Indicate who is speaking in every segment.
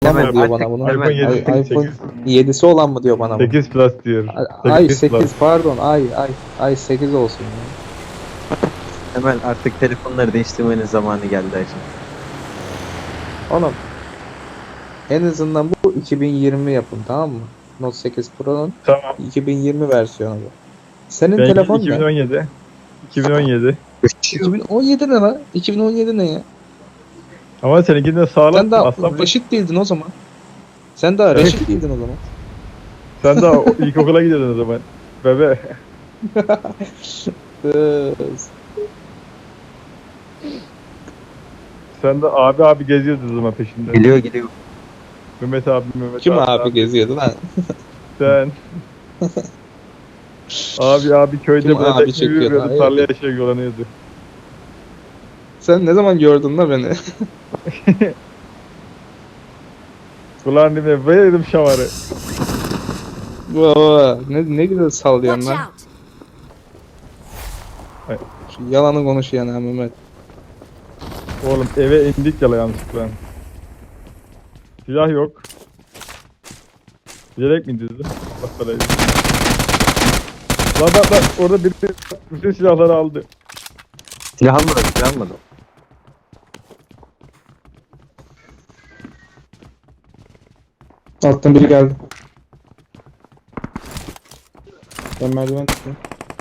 Speaker 1: olan
Speaker 2: Hemen
Speaker 1: mı diyor
Speaker 2: artık-
Speaker 1: bana bunu?
Speaker 3: iPhone 7,
Speaker 1: iPhone 7'si olan mı diyor bana bunu?
Speaker 3: 8 Plus diyor.
Speaker 1: Ay
Speaker 3: 8
Speaker 1: 8
Speaker 3: Plus.
Speaker 1: pardon ay 8 olsun ya.
Speaker 2: Hemen artık telefonları değiştirmenin zamanı geldi Ayşe.
Speaker 1: Oğlum en azından bu 2020 yapın, tamam mı? Note 8 Pro'nun
Speaker 3: Tamam.
Speaker 1: 2020 versiyonu bu. Senin
Speaker 3: Ben
Speaker 1: telefon ne?
Speaker 3: 2017. 2017.
Speaker 1: 2017 ne lan? 2017 ne ya?
Speaker 3: Ama seninki de sağlam.
Speaker 1: Sen daha
Speaker 3: Aslan
Speaker 1: reşit değildin o zaman. Sen daha
Speaker 3: Evet.
Speaker 1: reşit değildin o zaman.
Speaker 3: sen daha ilkokula gidiyordun o zaman. Bebe.
Speaker 1: Kız.
Speaker 3: Sen de abi geziyordun o zaman peşinde.
Speaker 2: Geliyor.
Speaker 3: Mehmet abi.
Speaker 1: Kim abi geziyordu lan?
Speaker 3: Sen. abi köyde
Speaker 1: Kim
Speaker 3: böyle
Speaker 1: abi
Speaker 3: tekne
Speaker 1: çekiyordu?
Speaker 3: yürüyordu.
Speaker 1: Hayır.
Speaker 3: Tarlaya şey yolanıyordu.
Speaker 1: Sen ne zaman gördün la beni?
Speaker 3: Ulan dime verelim şavarı.
Speaker 1: Baba ne güzel sallıyorsun
Speaker 4: Watch
Speaker 1: lan.
Speaker 4: out!
Speaker 1: Şu yalanı konuşuyor ha Mehmet.
Speaker 3: Oğlum eve indik ya yanlışlıkla. Silah yok. Bilerek mi indirdi? Bak parayı. Lan orada biri bütün silahları aldı.
Speaker 2: Silah almadım.
Speaker 1: Alttan biri geldi. Ben merdiven tutuyorum.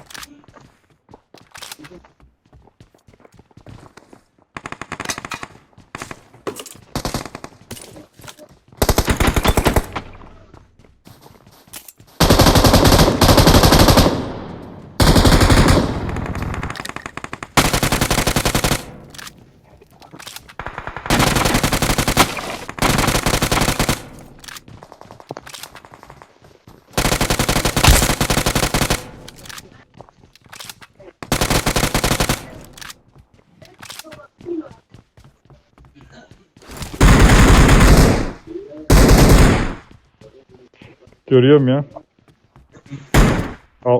Speaker 3: Görüyorum ya. Al.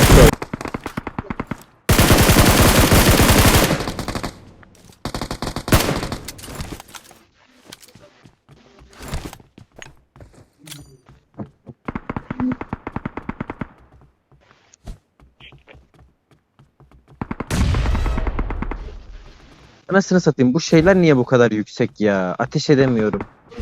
Speaker 2: Anasını satayım, bu şeyler niye bu kadar yüksek ya? Ateş edemiyorum.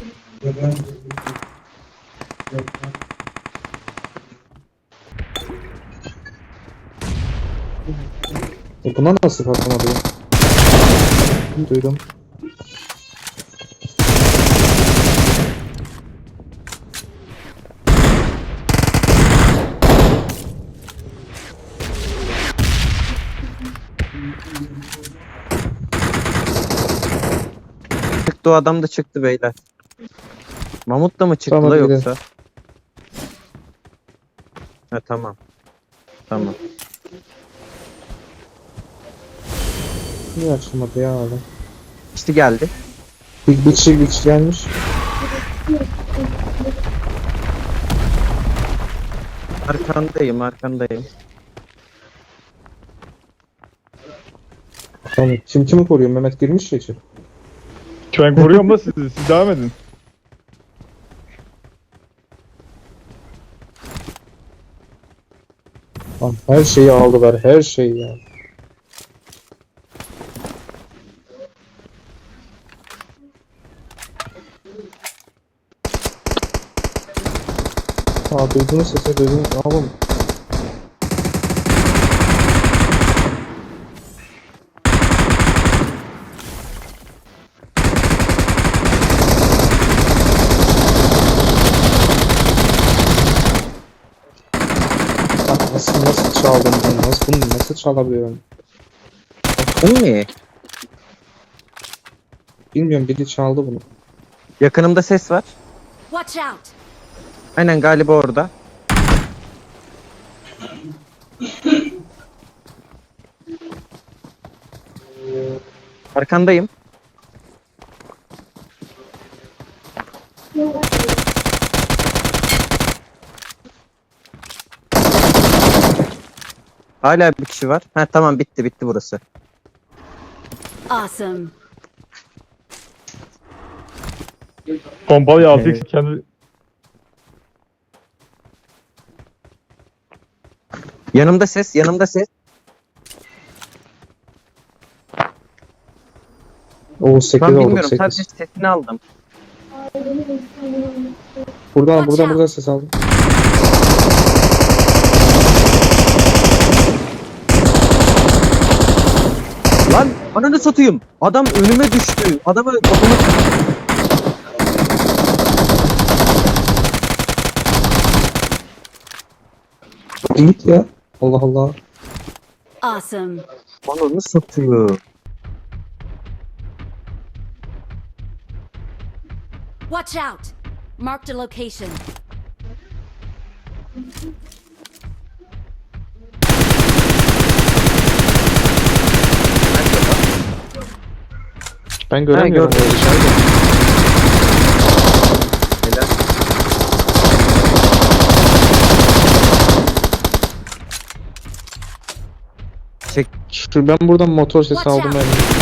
Speaker 1: Buna nasıl patlamadı ya? Duydum.
Speaker 2: Çıktı, o adam da çıktı beyler. Mamut da mı çıktı
Speaker 1: Tamam,
Speaker 2: la
Speaker 1: gidelim.
Speaker 2: yoksa? Ha tamam. Tamam.
Speaker 1: Niye açılmadı ya adam?
Speaker 2: İşte geldi.
Speaker 1: Bir kişi gelmiş.
Speaker 2: Arkandayım.
Speaker 1: Tamam. Kim kimi koruyor? Mehmet girmiş ya içeri.
Speaker 3: Ben koruyorum da sizi. Siz devam edin.
Speaker 1: Lan her şeyi aldılar, her şeyi ya. Duydunuz sesi, duydunuz. Oğlum. Lan nasıl çaldım bunu? Bunu nasıl çalabiliyorum?
Speaker 2: Bu ne?
Speaker 1: Bilmiyorum, biri çaldı bunu.
Speaker 2: Yakınımda ses var.
Speaker 4: Watch out!
Speaker 2: Aynen, galiba orada. Arkandayım. Hala bir kişi var. Ha tamam, bitti burası.
Speaker 4: Awesome.
Speaker 3: Pompalı 6x kendi...
Speaker 2: Yanımda ses, yanımda ses.
Speaker 1: O 8
Speaker 2: Şu an
Speaker 1: olduk
Speaker 2: bilmiyorum,
Speaker 1: 8.
Speaker 2: sadece sesini aldım.
Speaker 1: Buradan ses aldım.
Speaker 2: Lan ananı satayım. Adam önüme düştü. Adamı otomatik...
Speaker 1: Git ya. Allah Allah.
Speaker 4: Awesome.
Speaker 2: Ananı satıyor.
Speaker 4: Watch out. Marked a location.
Speaker 1: Ben göremiyorum
Speaker 2: gördüm.
Speaker 1: böyle dışarıda.
Speaker 2: Helal. Çek.
Speaker 1: Ben buradan motor sesi
Speaker 4: Watch
Speaker 1: aldım
Speaker 4: out.
Speaker 1: ben.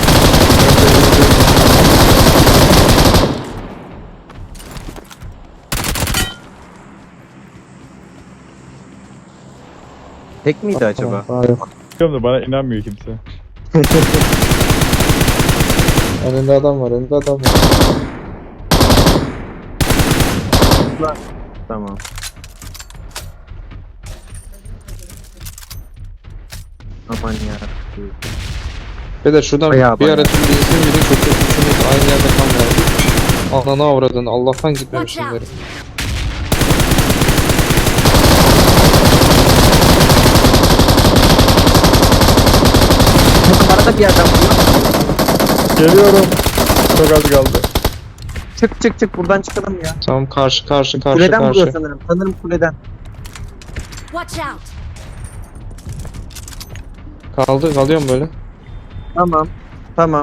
Speaker 2: Tek miydi acaba?
Speaker 1: Tamam, daha yok.
Speaker 3: Biliyorum da bana inanmıyor kimse.
Speaker 1: Önünde adam var, önünde adam var.
Speaker 2: Tamam. Aman ya.
Speaker 1: Ve de şuradan
Speaker 2: Bayağı
Speaker 1: bir
Speaker 2: bayağı.
Speaker 1: ara tüm bizim gibi çok çok üçümüz aynı yerde kalmayalım. Ananı avradın, Allah'tan gitmemişim
Speaker 4: Watch
Speaker 1: derim.
Speaker 2: Arada bir adam.
Speaker 3: Geliyorum. Çok az kaldı.
Speaker 2: Çık buradan çıkalım ya.
Speaker 1: Tamam karşı
Speaker 2: Kuleden vuruyor
Speaker 1: karşı.
Speaker 2: sanırım. Sanırım kuleden.
Speaker 4: Watch out.
Speaker 1: Kalıyorum böyle.
Speaker 2: Tamam.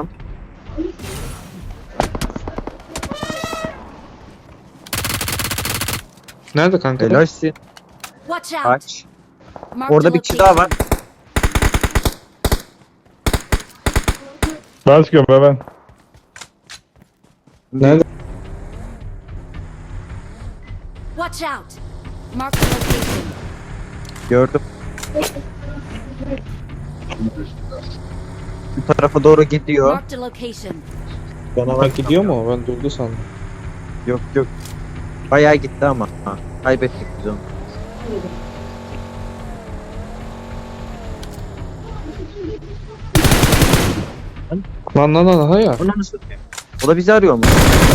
Speaker 1: Nerede kanka?
Speaker 2: Helalsin.
Speaker 4: Watch out.
Speaker 2: Aç.
Speaker 4: Marked
Speaker 2: Orada
Speaker 4: a
Speaker 2: bir kişi daha var.
Speaker 4: location.
Speaker 3: Ben çıkıyorum hemen.
Speaker 1: Nerede?
Speaker 4: Watch out. Marked a location.
Speaker 2: Gördüm. Bu tarafa doğru gidiyor.
Speaker 4: Marked a location.
Speaker 2: Bana
Speaker 1: Ha, gidiyor mu? Ben durdu sandım.
Speaker 2: Yok. Bayağı gitti ama. Ha, kaybettik biz onu.
Speaker 1: Lan ha ya.
Speaker 2: Onu nasıl tutuyor? O da bizi arıyor mu?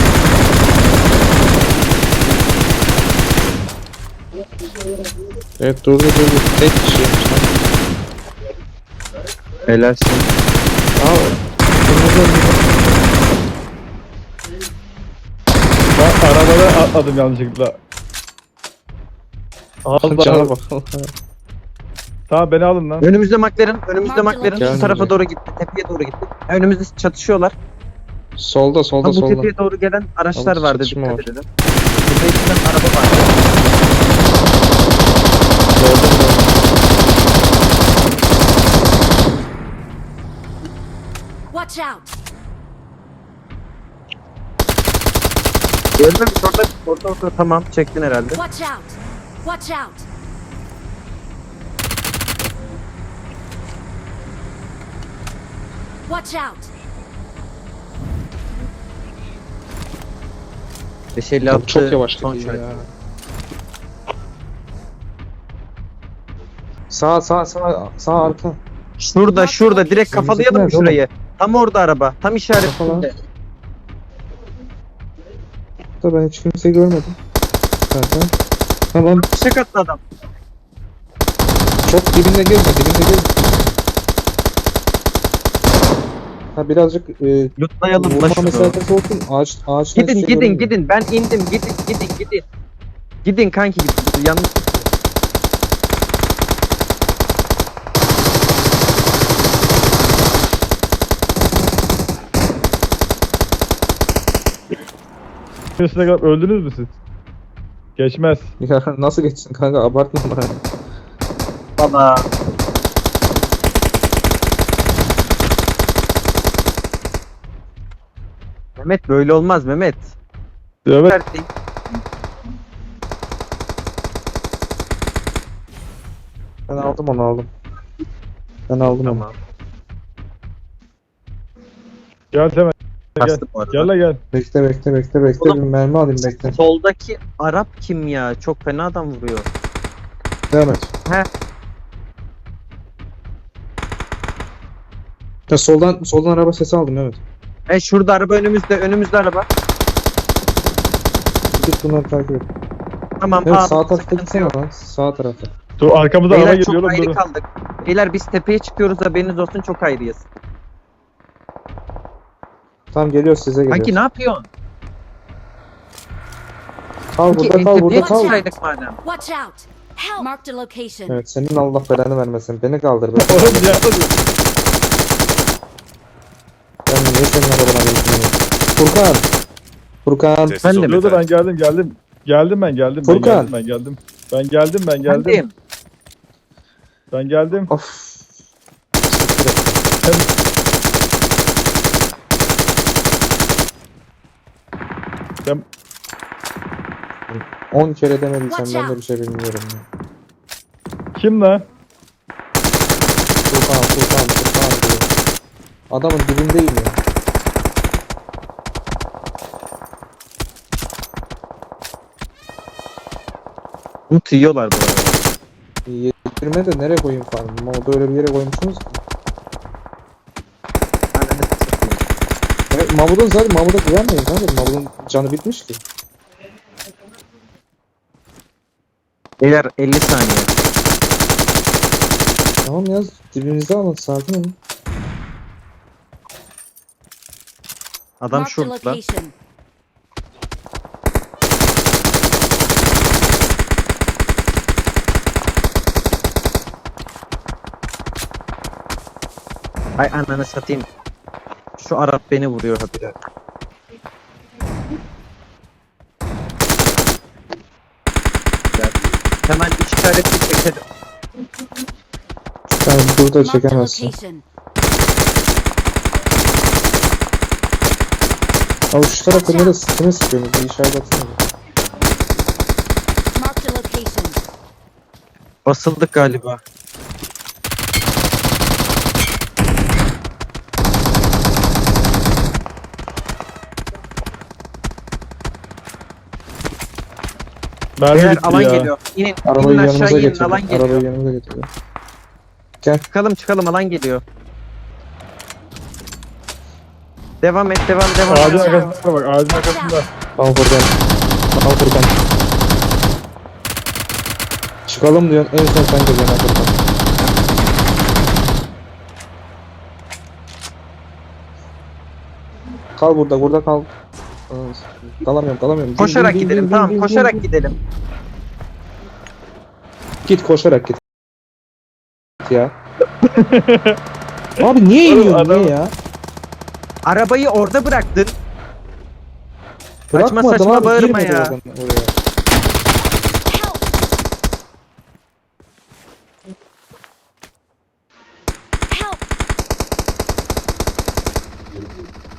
Speaker 1: Evet durdu. Tek kişiymiş lan.
Speaker 2: Helalsin.
Speaker 1: Aa,
Speaker 3: Ben arabada atladım yanlışlıkla.
Speaker 1: cana
Speaker 3: Allah.
Speaker 1: bak.
Speaker 3: Tamam beni alın lan.
Speaker 2: Önümüzde McLaren.
Speaker 1: Gelmedi.
Speaker 2: Şu tarafa doğru gitti. Tepeye doğru gitti. Önümüzde çatışıyorlar.
Speaker 1: Solda
Speaker 2: Ama bu
Speaker 1: solda.
Speaker 2: tepeye doğru gelen araçlar
Speaker 1: Ama
Speaker 2: vardı.
Speaker 1: çatışma
Speaker 2: Dikkat
Speaker 1: var.
Speaker 2: edelim. Tepe içinden araba vardı.
Speaker 1: Gördüm.
Speaker 4: Watch out.
Speaker 2: Gördün mü? Orada. Tamam. Çektin herhalde.
Speaker 4: Watch out. Watch out. Watch out.
Speaker 2: 556
Speaker 1: Çok yavaş
Speaker 2: son
Speaker 1: gidiyor
Speaker 2: şarkı.
Speaker 1: ya. Sağ arka.
Speaker 2: Şurada direkt kafalayalım mı
Speaker 1: Bizimkiler de
Speaker 2: şurayı? Tam orada araba. Tam işaretinde.
Speaker 1: Kafala. Da ben hiç kimseyi görmedim. Zaten. Tamam.
Speaker 2: Fişek attı adam.
Speaker 1: Çok dibinde gezme. Ha birazcık
Speaker 2: Lootlayalım da
Speaker 1: vurma
Speaker 2: şunu.
Speaker 1: mesafesi olsun. Ağaçtan hiçbir şey görünmüyor.
Speaker 2: Gidin. Ben indim. Gidin. Gidin kanki gidin. Yanlış.
Speaker 3: Üstüne kadar öldünüz mü siz? Geçmez.
Speaker 1: Ya nasıl geçsin kanka, abartma bana.
Speaker 2: Baba. Mehmet böyle olmaz Mehmet.
Speaker 3: Evet.
Speaker 2: Verdi.
Speaker 1: Ben aldım onu aldım. Ben aldım onu.
Speaker 2: Tamam.
Speaker 3: Gel Temel. Gel.
Speaker 2: Bastı bu arada.
Speaker 3: Gel la gel.
Speaker 1: Bekle bekle bekle bekle
Speaker 2: Oğlum.
Speaker 1: bir mermi alayım bekle.
Speaker 2: Soldaki Arap kim ya? Çok fena adam vuruyor.
Speaker 1: Devam et.
Speaker 2: He.
Speaker 1: Ya soldan araba sesi aldım evet.
Speaker 2: Şurada araba önümüzde araba.
Speaker 1: Git bunları takip et.
Speaker 2: Tamam
Speaker 1: Evet
Speaker 2: abi,
Speaker 1: sağ tarafta
Speaker 2: sıkıntı
Speaker 1: gitsene
Speaker 2: yok.
Speaker 1: lan. Sağ tarafta.
Speaker 3: Dur arkamıza araba
Speaker 2: Beyler
Speaker 3: geliyor
Speaker 2: çok
Speaker 3: oğlum
Speaker 2: ayrı
Speaker 3: dur.
Speaker 2: kaldık. Beyler biz tepeye çıkıyoruz, haberiniz olsun, çok ayrıyız.
Speaker 1: Tamam geliyor size geliyor.
Speaker 2: Kanki ne yapıyorsun?
Speaker 1: Kal
Speaker 2: Kanki
Speaker 1: burada kal
Speaker 2: tepeye
Speaker 1: burada kal.
Speaker 2: çıksaydık madem.
Speaker 4: Watch out! Help! Marked a location.
Speaker 1: Evet senin Allah belanı vermesin. Beni kaldır be.
Speaker 3: Oğlum ne yapıyorsun?
Speaker 1: Ben niye senin arabana geçmiyorum? Furkan. Furkan.
Speaker 5: Sessiz
Speaker 2: Ben de
Speaker 5: ol
Speaker 2: mi?
Speaker 3: Dur dur
Speaker 5: yeter.
Speaker 3: ben geldim. Geldim ben geldim.
Speaker 1: Furkan.
Speaker 3: Ben geldim. Ben geldim.
Speaker 2: Efendim?
Speaker 3: Ben geldim.
Speaker 1: Of. Siktir et.
Speaker 3: Sen
Speaker 1: 10 kere demediysen
Speaker 4: Watch
Speaker 1: ben de
Speaker 4: out.
Speaker 1: bir şey bilmiyorum ya.
Speaker 3: kim lan?
Speaker 1: Furkan diyor. Adamın dibindeyim ya.
Speaker 2: Bunu tüyüyorlar bu arada.
Speaker 1: Yedirme de nereye koyayım farmı? Orada öyle bir yere koymuşsunuz ki.
Speaker 2: Ananı satayım.
Speaker 1: Evet, Mahmut'un zaten Mahmut'a güvenmeyin kanka. Mahmut'un canı bitmiş ki.
Speaker 2: Beyler 50 saniye.
Speaker 1: Tamam ya dibinizde alın sakin olun.
Speaker 2: Adam
Speaker 4: Marked a
Speaker 2: şurada.
Speaker 4: location.
Speaker 2: Ay ananı satayım. Şu Arap beni vuruyor habire. Gel. Hemen üç işaretli çekelim.
Speaker 1: Sen burada
Speaker 4: Marked a
Speaker 1: çekemezsin.
Speaker 4: location.
Speaker 1: Abi şu tarafta neresi? Kime sıkıyorsunuz? Bir işaret atsana.
Speaker 4: Marked a location.
Speaker 2: Basıldık galiba.
Speaker 3: Mermi
Speaker 2: Beyler
Speaker 3: bitti
Speaker 2: alan
Speaker 3: ya.
Speaker 2: geliyor. İnin,
Speaker 1: Arabayı
Speaker 2: inin
Speaker 1: yanımıza
Speaker 2: aşağı inin,
Speaker 1: getirin.
Speaker 2: alan geliyor.
Speaker 1: Arabayı yanımıza getirin. Gel.
Speaker 2: Çıkalım alan geliyor. Devam et.
Speaker 3: Ağacın arkasında bak ağacın arkasında.
Speaker 1: Al Furkan. Al Furkan. Çıkalım diyorsun. En son sen geliyorsun Furkan. Kal burada kal. Kalamıyorum.
Speaker 2: Koşarak
Speaker 1: Bin, bin,
Speaker 2: gidelim,
Speaker 1: bin,
Speaker 2: tamam
Speaker 1: bin, bin,
Speaker 2: koşarak
Speaker 1: bin.
Speaker 2: gidelim.
Speaker 1: Git koşarak git. Ya. Abi niye
Speaker 3: Oğlum,
Speaker 1: iniyorsun
Speaker 3: adam-
Speaker 1: niye ya?
Speaker 2: Arabayı orada bıraktın. Saçma
Speaker 1: Bırakmadım
Speaker 2: saçma
Speaker 1: abi,
Speaker 2: bağırma
Speaker 1: girmedi
Speaker 2: ya.
Speaker 1: oradan oraya.
Speaker 4: Help! Help!